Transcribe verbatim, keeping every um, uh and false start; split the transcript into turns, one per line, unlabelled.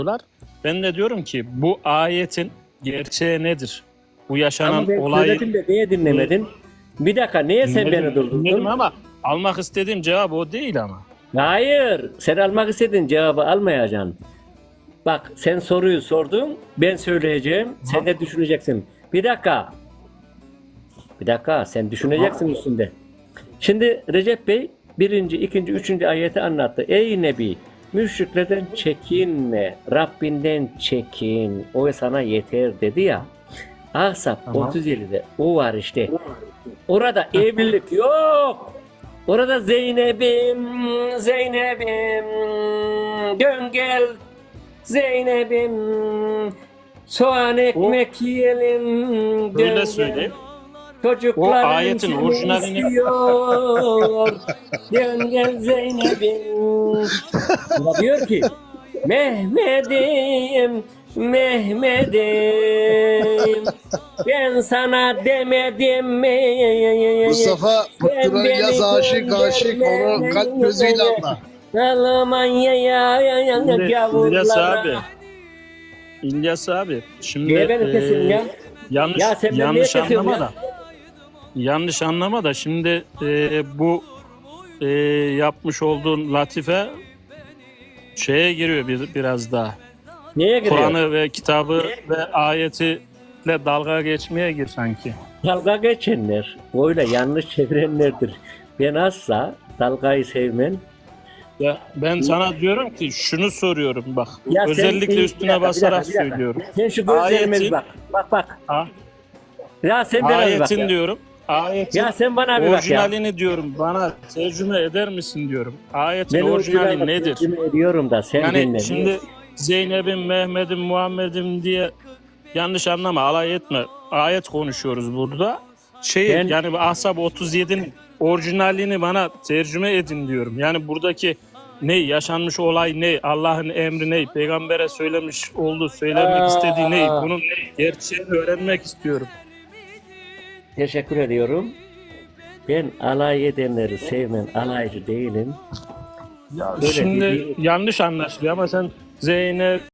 Ben de diyorum ki bu ayetin gerçeği nedir? Bu yaşanan
Ama ben
olayı...
söyledim de niye dinlemedin? Bir dakika niye sen
Dinledim,
beni durdurdun?
dinledim ama almak istediğim cevap o değil ama.
Hayır. Sen almak istediğin cevabı almayacaksın. Bak sen soruyu sordun. Ben söyleyeceğim. Sen de düşüneceksin. Bir dakika. Bir dakika. Sen düşüneceksin üstünde. Şimdi Recep Bey birinci, ikinci, üçüncü ayeti anlattı. Ey Nebi, müşriklerden çekinme, Rabbinden çekin, o sana yeter dedi ya. Ahzab
Tamam.
otuz yedide o var işte. Orada evlilik yok. Orada Zeynep'im, Zeynep'im, dön gel Zeynep'im, soğan ekmek yiyelim, dön
Öyle
gel.
söyleyeyim.
Çocukların
O ayetin
seni
orijinalini-
istiyor. Dön gel Zeynep'im. Ama diyor ki Mehmet'im, Mehmet'im, ben sana demedim mi?
Mustafa
Sen
Fıkrı
beni
yaz aşık aşık onu kalp gözüyle anla.
Almanya'ya ya ya
Şimdi İlyas
gavurlara.
abi. İlyas abi. Şimdi
Niye beni
e,
kesin ya?
yanlış
Ya sen beni
yanlış
niye kesiyorsun
anlama
ya?
da. Yanlış anlama da şimdi e, bu e, yapmış olduğun latife şeye giriyor bir, biraz daha.
Niye giriyor?
Kur'an'ı ve kitabı ve ayetiyle dalga geçmeye gir sanki.
Dalga geçenler, böyle yanlış çevirenlerdir. Ben asla dalgayı sevmem.
Ya ben sana diyorum ki şunu soruyorum bak.
Ya sen-
özellikle
bir
üstüne
dakika, bir
basarak
dakika, bir dakika.
söylüyorum.
Sen şu gözlerime bir
Ayetin-
bak. Bak bak.
Ha?
Ya sen bana bir bak
Ayetin
ya.
diyorum. Ayetin
Ya sen bana bir bak ya.
orijinalini diyorum. Bana tercüme eder misin diyorum. Ayetin
Ben
orijinali
orijinal
nedir?
tercüme ediyorum da sen
Yani
dinle.
şimdi Zeynep'im, Mehmet'im, Muhammed'im diye yanlış anlama, alay etme. Ayet konuşuyoruz burada. Şey
Ben-
yani bu Ahzab otuz yedinin orijinalini bana tercüme edin diyorum. Yani buradaki ne yaşanmış olay ne, Allah'ın emri ne, peygambere söylemiş olduğu, söylemek
Aa.
istediği ne, bunun gerçeğini öğrenmek istiyorum.
Teşekkür ediyorum. Ben alay edenleri sevmem. Alaycı değilim.
Ya
Öyle
şimdi
değil.
yanlış anlaşılıyor ama sen Zeynep,